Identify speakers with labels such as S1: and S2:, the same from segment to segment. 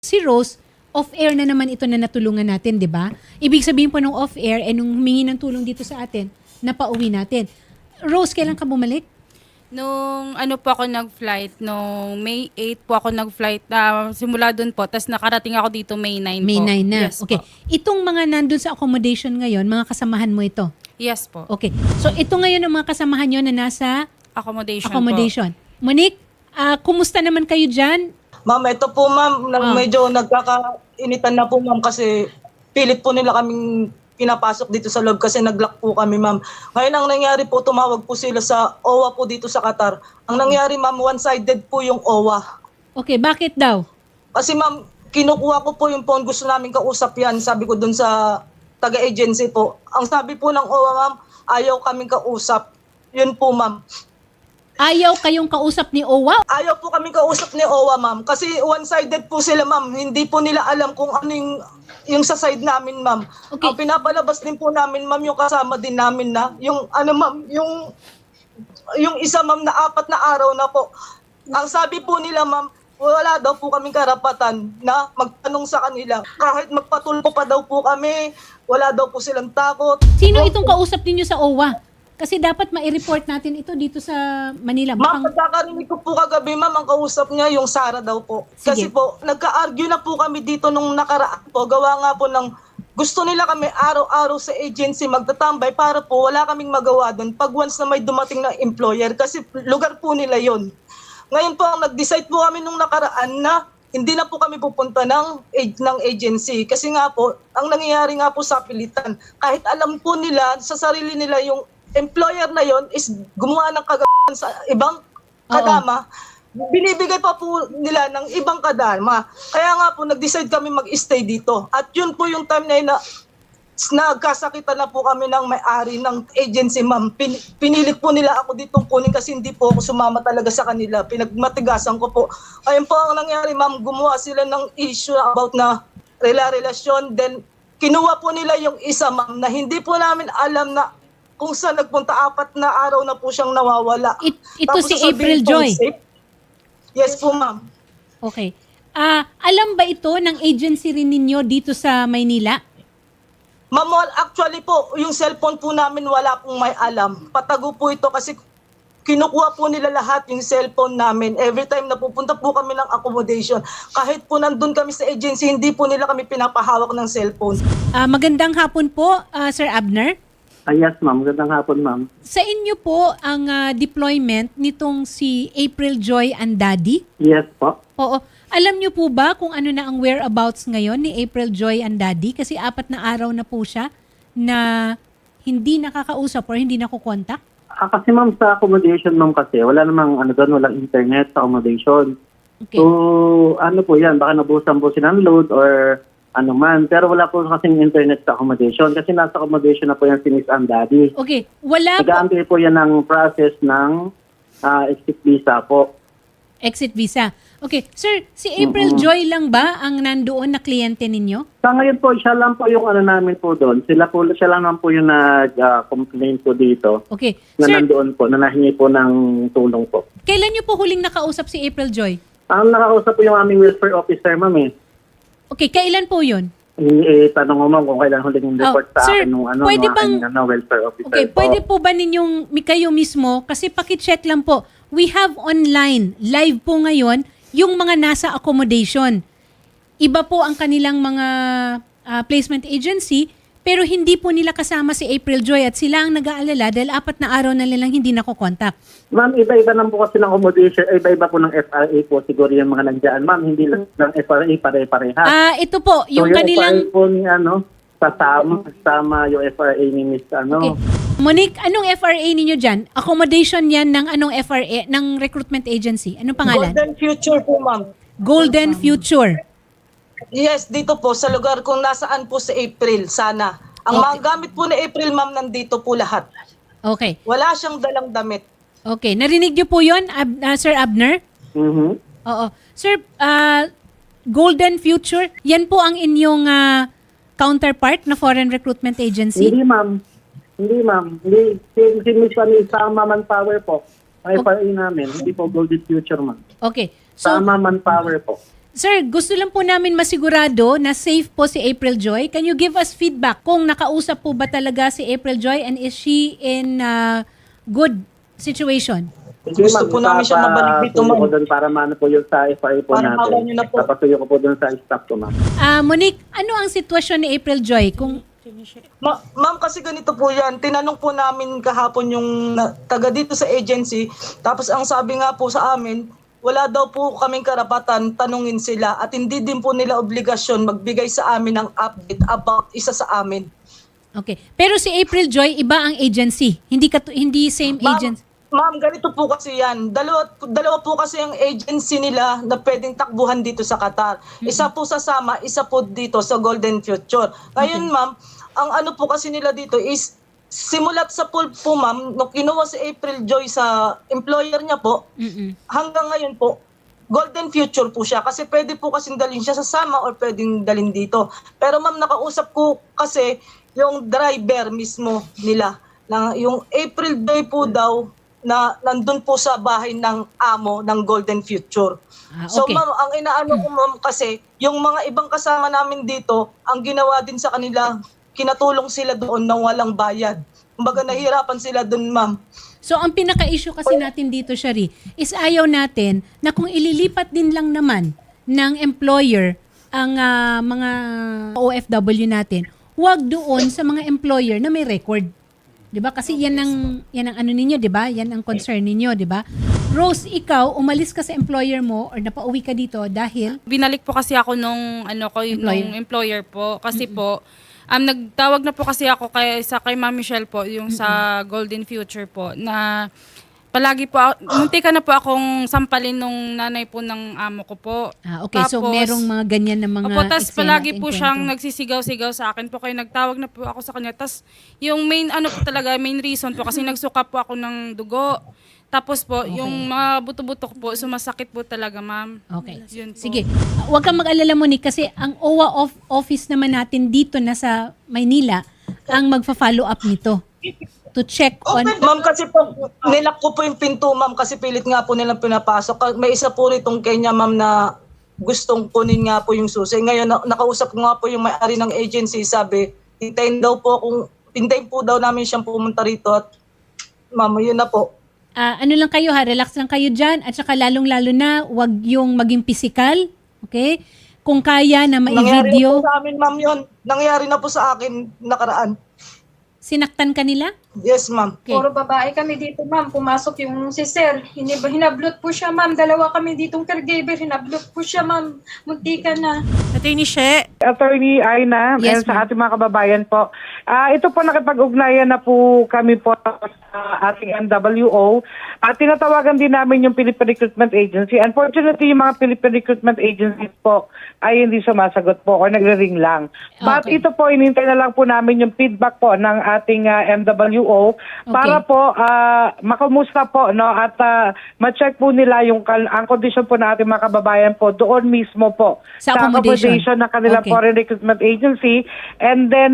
S1: Si Rose, off-air na naman ito na natulungan natin, di ba? Ibig sabihin po nung off-air, nung humingi ng tulong dito sa atin, napauwi natin. Rose, kailan ka bumalik?
S2: Nung ano po ako nag-flight, nung May 8 po ako nag-flight na simula doon po, tapos nakarating ako dito May 9
S1: May
S2: po.
S1: 9 na.
S2: Yes
S1: Okay.
S2: po.
S1: Itong mga nandun sa accommodation ngayon, mga kasamahan mo ito.
S2: Yes po.
S1: Okay. So, ito ngayon ang mga kasamahan nyo na nasa
S2: Accommodation.
S1: Monique, kumusta naman kayo dyan?
S3: Ma'am, ito po ma'am, medyo nagkakainitan na po ma'am kasi pilit po nila kaming pinapasok dito sa loob kasi nag-lock po kami ma'am. Ngayon ang nangyari po, tumawag po sila sa OWA po dito sa Qatar. Ang nangyari ma'am, one-sided po yung OWA.
S1: Okay, bakit daw?
S3: Kasi ma'am, kinukuha ko po yung phone, gusto namin kausap yan, sabi ko dun sa taga-agency po. Ang sabi po ng OWA ma'am, ayaw kaming kausap. Yun po ma'am.
S1: Ayaw kayong kausap ni Owa?
S3: Ayaw po kami kausap ni OWA, ma'am. Kasi one-sided po sila, ma'am. Hindi po nila alam kung ano yung sa side namin, ma'am.
S1: Okay.
S3: Ang pinapalabas din po namin, ma'am, yung kasama din namin na, yung ano, ma'am, yung isa, ma'am, na 4 na araw na po. Ang sabi po nila, ma'am, wala daw po kaming karapatan na magtanong sa kanila. Kahit magpatulpo pa daw po kami, wala daw po silang takot.
S1: Sino itong kausap ninyo sa OWA? Kasi dapat ma-report natin ito dito sa Manila.
S3: Ma'am, pagkakarinig ko po kagabi, ma'am, ang kausap niya yung Sara daw po. Kasi
S1: Sige.
S3: po, nagka-argue na po kami dito nung nakaraan po. Gawa nga po ng gusto nila kami araw-araw sa agency magtatambay para po wala kaming magawa doon pag once na may dumating na employer kasi lugar po nila yon. Ngayon po, ang nag-decide po kami nung nakaraan na hindi na po kami pupunta ng agency. Kasi nga po, ang nangyayari nga po sa pilitan, kahit alam po nila, sa sarili nila yung employer na yon is gumawa ng kagawaan sa ibang kadama, binibigay pa po nila ng ibang kadama. Kaya nga po, nag-decide kami mag-stay dito. At yun po yung time na yun na nagkasakitan na po kami ng may-ari ng agency, ma'am. Pinilit po nila ako ditong kunin kasi hindi po ako sumama talaga sa kanila. Pinagmatigasan ko po. Ayun po ang nangyari, ma'am. Gumawa sila ng issue about na relasyon. Then, kinuha po nila yung isa, ma'am, na hindi po namin alam na kung saan nagpunta. 4 na araw na po siyang nawawala.
S1: Ito
S3: Tapos
S1: si
S3: sasabihin
S1: April
S3: po,
S1: Joy.
S3: safe? Yes po, ma'am.
S1: Okay. Alam ba ito ng agency rin ninyo dito sa Maynila?
S3: Ma'am, actually po, yung cellphone po namin wala pong may alam. Patago po ito kasi kinukuha po nila lahat yung cellphone namin. Every time na pupunta po kami ng accommodation, kahit po nandun kami sa agency, hindi po nila kami pinapahawak ng cellphone.
S1: Magandang hapon po, Sir Abner.
S4: Yes, ma'am. Magandang hapon, ma'am.
S1: Sa inyo po ang deployment nitong si April Joy Andadi?
S4: Yes po.
S1: Oo. Alam niyo po ba kung ano na ang whereabouts ngayon ni April Joy Andadi? Kasi 4 na araw na po siya na hindi nakakausap or hindi nakukontak?
S4: Kasi ma'am, sa accommodation, ma'am, kasi wala namang doon, walang internet sa accommodation.
S1: Okay.
S4: So, ano po yan, baka nabusan po siya ng load or ano man. Pero wala po kasing internet sa accommodation kasi nasa accommodation na po yan si Miss Andadi.
S1: Okay. Wala po.
S4: Nag-aantay po yan ng process ng exit visa po.
S1: Exit visa. Okay. Sir, si April Joy lang ba ang nandoon na kliyente ninyo?
S4: Sa ngayon po, siya lang po yung namin po doon. Siya lang naman po yung nag-complain po dito.
S1: Okay.
S4: Na
S1: Sir,
S4: nandoon po, na nahingi po ng tulong po.
S1: kailan niyo po huling nakausap si April Joy?
S4: Ang nakausap po yung aming welfare officer, ma'am eh.
S1: Okay. Kailan po yun?
S4: Tanong mo ma'am kung kailan huling report sa
S1: sir,
S4: akin nung
S1: pwede
S4: nung
S1: bang-
S4: aking, welfare officer
S1: Okay,
S4: po.
S1: pwede po ba ninyong kayo mismo, kasi pakicheck lang po, we have online, live po ngayon, yung mga nasa accommodation. Iba po ang kanilang mga placement agency, pero hindi po nila kasama si April Joy at sila ang nag-aalala dahil 4 na araw na nilang hindi nakokontak.
S4: Ma'am, iba-iba lang po kasi ng accommodation, iba-iba po ng FRA po siguro yung mga nandiyan. Ma'am, hindi lang ng FRA pare-pareha.
S1: Ito po, yung
S4: so,
S1: kanilang...
S4: FRA po ni kasama yung FRA ni Miss
S1: Okay. Monique, anong FRA ninyo dyan? Accommodation yan ng anong FRA, ng recruitment agency? Anong pangalan?
S3: Golden Future po, ma'am.
S1: Golden Future.
S3: Yes, dito po, sa lugar kung nasaan po si April, sana. Ang mga gamit po ni April, ma'am, nandito po lahat.
S1: Okay.
S3: Wala siyang dalang damit.
S1: Okay. Narinig niyo po yun, Sir Abner?
S4: Mhm.
S1: Oo. Sir, Golden Future, yan po ang inyong counterpart na foreign recruitment agency?
S4: Hindi, ma'am. Hindi, ma'am. Hindi. Si Miss Sama Manpower po. Ang FRA namin. Hindi po Golden Future, ma'am.
S1: Okay. So,
S4: Sama Manpower po.
S1: Sir, gusto lang po namin masigurado na safe po si April Joy. Can you give us feedback kung nakausap po ba talaga si April Joy and is she in good situation?
S4: Sige,
S3: Gusto po namin siya mabalik dito,
S4: papasuyo ko
S3: ma'am.
S4: doon para maano po yung sa FRA po
S3: Para mawan niyo
S4: natin.
S3: na po.
S4: Papasuyo ko po doon sa staff ko, ma'am.
S1: Monique, ano ang sitwasyon ni April Joy? Kung
S3: Ma'am, kasi ganito po yan. Tinanong po namin kahapon yung taga dito sa agency. Tapos ang sabi nga po sa amin, wala daw po kaming karapatan tanungin sila at hindi din po nila obligasyon magbigay sa amin ng update about isa sa amin.
S1: okay. Pero si April Joy, iba ang agency. Hindi same agency.
S3: Ma'am, ganito po kasi yan. Dalawa po kasi ang agency nila na pwedeng takbuhan dito sa Qatar. Isa po sa Sama, isa po dito sa Golden Future. Ngayon, ma'am, ang ano po kasi nila dito is simulat sa pool po, ma'am, nung kinuha si April Joy sa employer niya po, hanggang ngayon po, Golden Future po siya. Kasi pwede po kasing dalhin siya sa Sama or pwedeng dalhin dito. Pero ma'am, nakausap ko kasi yung driver mismo nila. Na yung April Joy po daw, na nandun po sa bahay ng amo ng Golden Future. So
S1: Okay.
S3: ma'am, ang inaano ko ma'am kasi, yung mga ibang kasama namin dito, ang ginawa din sa kanila, kinatulong sila doon na walang bayad. Kumbaga nahihirapan sila doon, ma'am.
S1: So ang pinaka-issue kasi natin dito, Shari, is ayaw natin na kung ililipat din lang naman ng employer ang mga OFW natin, huwag doon sa mga employer na may record. 'Di ba? Kasi yan ang ano ninyo, 'di ba? Yan ang concern ninyo, 'di ba? Rose, ikaw umalis ka sa employer mo or napauwi ka dito dahil
S2: Binalik po kasi ako nung employer po kasi po nagtawag na po kasi ako kay Ma'am Michelle po yung sa Golden Future po na palagi po muntika na po akong sampalin nung nanay po ng amo ko po.
S1: okay, so
S2: Tapos,
S1: merong mga ganyan na mga
S2: Opo, tas
S1: eksena
S2: palagi
S1: at
S2: po
S1: engkwentro.
S2: siyang nagsisigaw-sigaw sa akin po kaya nagtawag na po ako sa kanya. Tas yung main main reason po kasi nagsuka po ako ng dugo. Tapos po, yung mga buto-buto ko po, sumasakit po talaga, ma'am.
S1: Okay.
S2: Yun po.
S1: Sige. Huwag kang mag-alala, Monique, kasi ang OWA office naman natin dito na sa Maynila ang magfa-follow up nito to check on...
S3: Okay, ma'am, kasi po, nilak ko po yung pinto, ma'am, kasi pilit nga po nilang pinapasok. May isa po ritong Kenya, ma'am, na gustong kunin nga po yung susi. Ngayon, nakausap ko nga po yung may-ari ng agency, sabi, hintayin po daw namin siyang pumunta rito at ma'am, yun na po.
S1: ano lang kayo ha, relax lang kayo dyan at saka lalong-lalo na wag yung maging physical, okay? Kung kaya na
S3: Nangyari na
S1: ma-video,
S3: po sa amin, ma'am, yun. Nangyari na po sa akin nakaraan.
S1: sinaktan ka nila?
S3: Yes, ma'am.
S1: Okay.
S5: Puro babae kami dito, ma'am. Pumasok yung si Sir. Hinablot po siya, ma'am. Dalawa kami ditong caregiver. Hinablot po siya, ma'am. Muntika na.
S6: Attorney She.
S7: Attorney Aina,
S1: Yes,
S7: and sa ating mga kababayan po. Ito po nakipag-ugnayan na po kami po sa ating MWO. Tinatawagan din namin yung Philippine Recruitment Agency. Unfortunately, yung mga Philippine Recruitment Agencies po ay hindi sumasagot po or nagre-ring lang. But
S1: Okay.
S7: ito po, inintay na lang po namin yung feedback po ng ating MWO para
S1: Okay.
S7: po makumusta po, no, at ma-check po nila yung ang kondisyon po ng ating mga kababayan po doon mismo po
S1: Sa accommodation.
S7: ng kanilang
S1: Okay.
S7: foreign recruitment agency. And then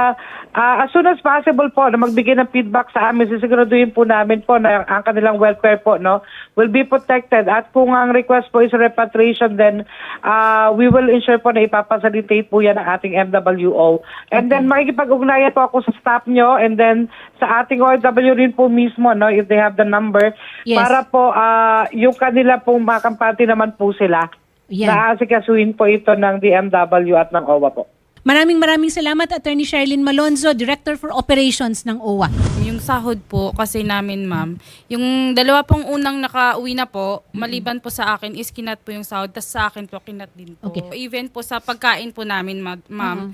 S7: as soon as possible po na magbigay ng feedback sa amin, sisiguraduhin po namin po na ang kanilang welfare po, no, will be protected. At kung ang request po is repatriation, then we will ensure po na ipapasalitate po yan ng ating MWO. And then makikipag-ugnayan po ako sa staff nyo and then sa ating OFW rin po mismo, no, if they have the number,
S1: Yes.
S7: para po yung kanila pong makampante naman po sila.
S1: Yan.
S7: Naasikasuhin po ito ng DMW at ng OWA po.
S1: Maraming salamat, Attorney Sherilyn Malonzo, Director for Operations ng OWA.
S2: Yung sahod po kasi namin, ma'am, yung dalawa pong unang nakauwi na po, maliban po sa akin is kinat po yung sahod, tas sa akin po kinat din po.
S1: Okay.
S2: Even po sa pagkain po namin, ma'am.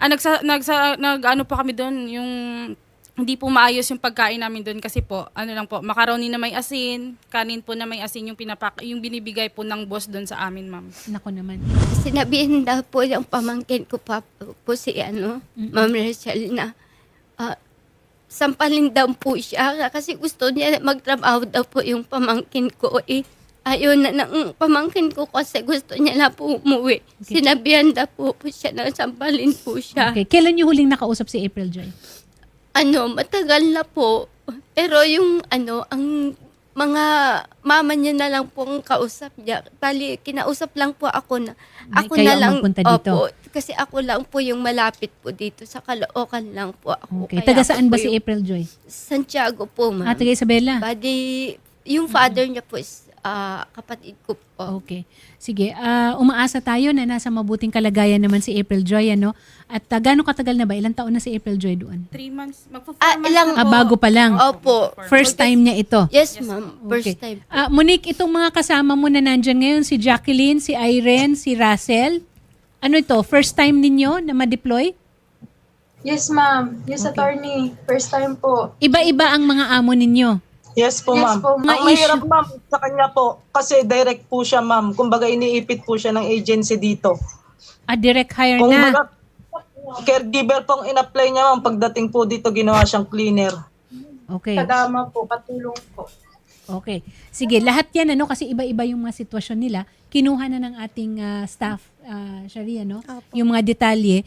S2: Nag-ano po kami doon, yung hindi po maayos yung pagkain namin doon kasi po, ano lang po, macaroni na may asin, kanin po na may asin yung yung binibigay po ng boss doon sa amin, ma'am.
S1: Nako naman.
S8: Sinabihin daw po yung pamangkin ko pa po si Ma'am Rachel na sampalin daw po siya kasi gusto niya magtrabaho daw po yung pamangkin ko eh. Ayaw na ng pamangkin ko kasi gusto niya na po umuwi.
S1: Okay.
S8: Sinabihan daw po siya na sampalin po siya.
S1: Okay. Kailan niyo huling nakausap si April Joy?
S8: Matagal na po. Pero yung ang mga mama niya na lang po ang kausap niya. Bali, kinausap lang po ako na ako
S1: Kayo
S8: na
S1: ang
S8: lang.
S1: magpunta dito?
S8: Opo, kasi ako lang po yung malapit po dito. Sa Caloocan lang po ako.
S1: Okay.
S8: Kaya
S1: Taga
S8: ako
S1: saan ba
S8: po
S1: si
S8: yung-
S1: April Joy?
S8: Santiago po, ma'am.
S1: Taga Isabela.
S8: Bali, yung father niya po is kapatid ko po.
S1: Okay. Sige, umaasa tayo na nasa mabuting kalagayan naman si April Joy, ano? At gaano katagal na ba? Ilang taon na si April Joy doon?
S2: 3 months. Magpo-4
S8: Ah,
S2: months
S8: ilang-
S2: na po.
S1: Bago pa lang.
S8: Opo.
S1: First time niya ito.
S8: Yes, ma'am.
S1: Okay.
S8: First time.
S1: Monique, itong mga kasama mo na nandyan ngayon, si Jacqueline, si Irene, si Russell, ano ito, first time ninyo na ma-deploy?
S5: Yes, ma'am. Yes, attorney. First time po.
S1: Iba-iba ang mga amo ninyo.
S3: Yes po,
S5: Yes
S3: ma'am.
S5: po,
S3: Ang
S1: ma'am.
S3: mahirap, ma'am, sa kanya po, kasi direct po siya, ma'am. Kumbaga, iniipit po siya ng agency dito.
S1: Direct hire
S3: Kung
S1: na.
S3: baga, caregiver pong in-apply niya, ma'am, pagdating po dito, ginawa siyang cleaner.
S1: Okay.
S5: Kadama po, katulong po.
S1: Okay. Sige, lahat yan, ano, kasi iba-iba yung mga sitwasyon nila. Kinuha na ng ating staff, Sharia, no? Yung mga detalye,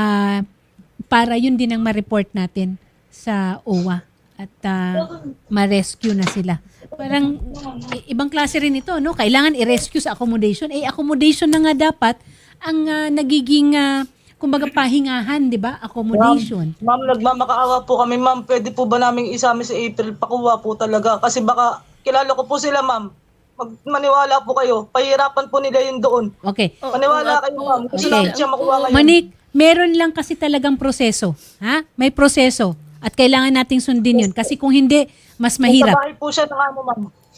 S1: para yun din ang ma-report natin sa OWA at ma-rescue na sila. Parang ibang klase rin ito, no? Kailangan i-rescue sa accommodation. Accommodation na nga dapat ang nagiging, kumbaga, pahingahan, di ba? Accommodation.
S3: Ma'am, nagmamakaawa po kami, ma'am. Pwede po ba namin isama si April? Pakuha po talaga. Kasi baka, kilala ko po sila, ma'am. Maniwala po kayo. Pahirapan po nila yun doon.
S1: Okay.
S3: Maniwala kayo, ma'am. Gusto
S1: Okay.
S3: namin siya makuha ngayon.
S1: Manik, meron lang kasi talagang proseso. Ha? May proseso. At kailangan nating sundin yun. Kasi kung hindi, mas mahirap.
S3: Sa bahay po siya ng ano, ma'am.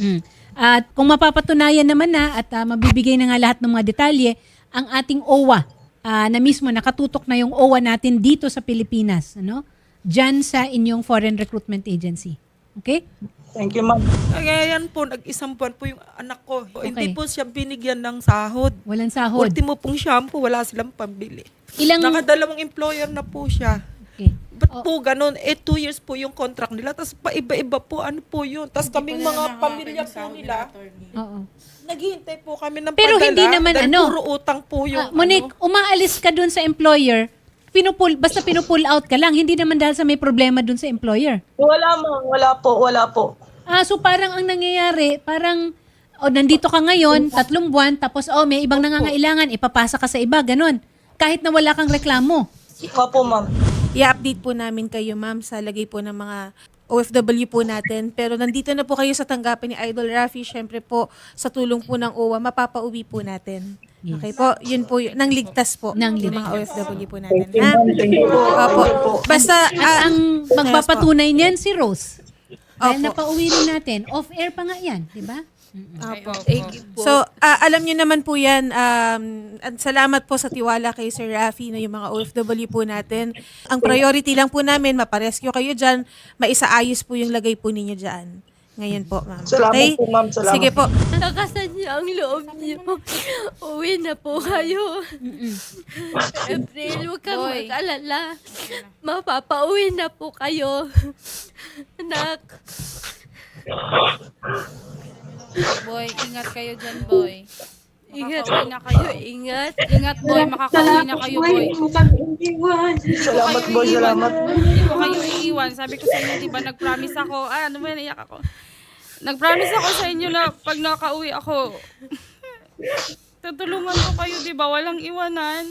S1: At kung mapapatunayan naman na at mabibigay na nga lahat ng mga detalye, ang ating OWA na mismo nakatutok na yung OWA natin dito sa Pilipinas, ano? Diyan sa inyong Foreign Recruitment Agency. Okay?
S3: Thank you, ma'am.
S6: Kaya yan po, nag-isang buwan po yung anak ko.
S1: Okay.
S6: Hindi po siya binigyan ng sahod.
S1: Walang sahod.
S6: Ultimo pong shampoo, wala silang pambili.
S1: Ilang...
S6: Nakadalawang employer na po siya.
S1: Okay.
S6: Ba't po ganun? 2 years po yung contract nila. Tapos paiba-iba po, ano po yun. Tapos kaming mga pamilya po nila,
S1: Oo.
S6: naghihintay po kami ng
S1: Pero
S6: padala.
S1: hindi naman
S6: dahil
S1: ano.
S6: puro utang po yung
S1: Monique, umaalis ka dun sa employer, basta pinupull out ka lang, hindi naman dahil sa may problema dun sa employer.
S3: Wala, ma'am. Wala po. Wala po.
S1: So parang ang nangyayari, parang nandito ka ngayon, 3 buwan, tapos may ibang nangangailangan, ipapasa ka sa iba, ganun. Kahit na wala kang reklamo.
S3: Opo, ma'am.
S9: I-update po namin kayo, ma'am, sa lagay po ng mga OFW po natin. Pero nandito na po kayo sa tanggapan ni Idol Rafi. Syempre po, sa tulong po ng OWA, mapapauwi po natin.
S1: Yes.
S9: Okay po? Yun po, nang ligtas po.
S1: Nang
S9: yung
S1: ligtas.
S9: mga OFW po natin.
S3: Thank you,
S9: Ha?
S3: ma'am. Thank you po.
S9: Opo. Basta,
S1: At ang magpapatunay niyan si Rose. Dahil
S9: Opo.
S1: napauwi rin natin. Off-air pa nga yan, di ba?
S9: Opo. So, alam niyo naman po yan, at salamat po sa tiwala kay Sir Rafi na yung mga OFW po natin. Ang priority lang po namin, maparescue kayo dyan, maisaayos po yung lagay po ninyo dyan. Ngayon po, ma'am.
S3: Salamat po, ma'am. Salamat.
S9: Sige po.
S8: Nakasan niya ang loob niyo. Uwi na po kayo. April, huwag kang mag-alala. Mapapauwi na po kayo. Anak.
S2: Boy, ingat kayo dyan, boy.
S8: Ingat
S2: Makakauwi na kayo.
S8: Ingat.
S2: Ingat, boy. Makakauwi na kayo, boy.
S5: Huwag mo kami iwan.
S3: Salamat, boy. Salamat.
S2: Hindi ko kayo iiwan. Sabi ko sa inyo, di ba, nag-promise ako. Ano ba, naiyak ako. Nag-promise ako sa inyo na pag nakauwi ako, tutulungan ko kayo, di ba? Walang iwanan.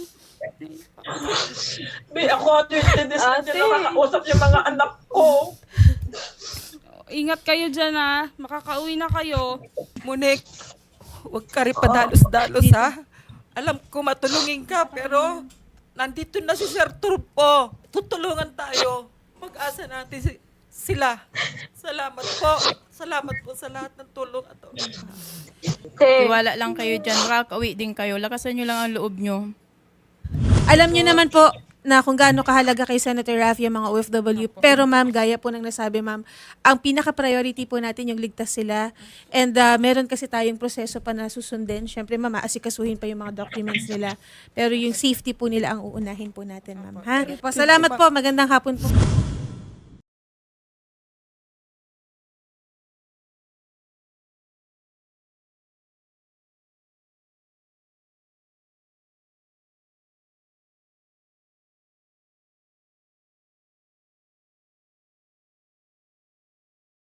S6: May ako, 20 days na nakakausap yung mga anak ko.
S2: Ingat kayo dyan, ha. Makakauwi na kayo.
S6: Monique, huwag ka rin padalos-dalos, ha? Alam ko matulungin ka, pero nandito na si Sir Turpo. Tutulungan tayo. Mag-asa natin sila. Salamat po. Salamat po sa lahat ng tulong.
S10: Tiwala lang kayo dyan. Makakauwi din kayo. Lakasan nyo lang ang loob nyo.
S9: Alam niyo naman po na kung gaano kahalaga kay Senator Rafi ang mga OFW. Pero ma'am, gaya po ng nasabi ma'am, ang pinaka-priority po natin yung ligtas sila. And meron kasi tayong proseso pa na susundin. Siyempre ma'am, aasikasuhin pa yung mga documents nila. Pero yung safety po nila ang uunahin po natin ma'am. Ha? Salamat po. Magandang hapon po.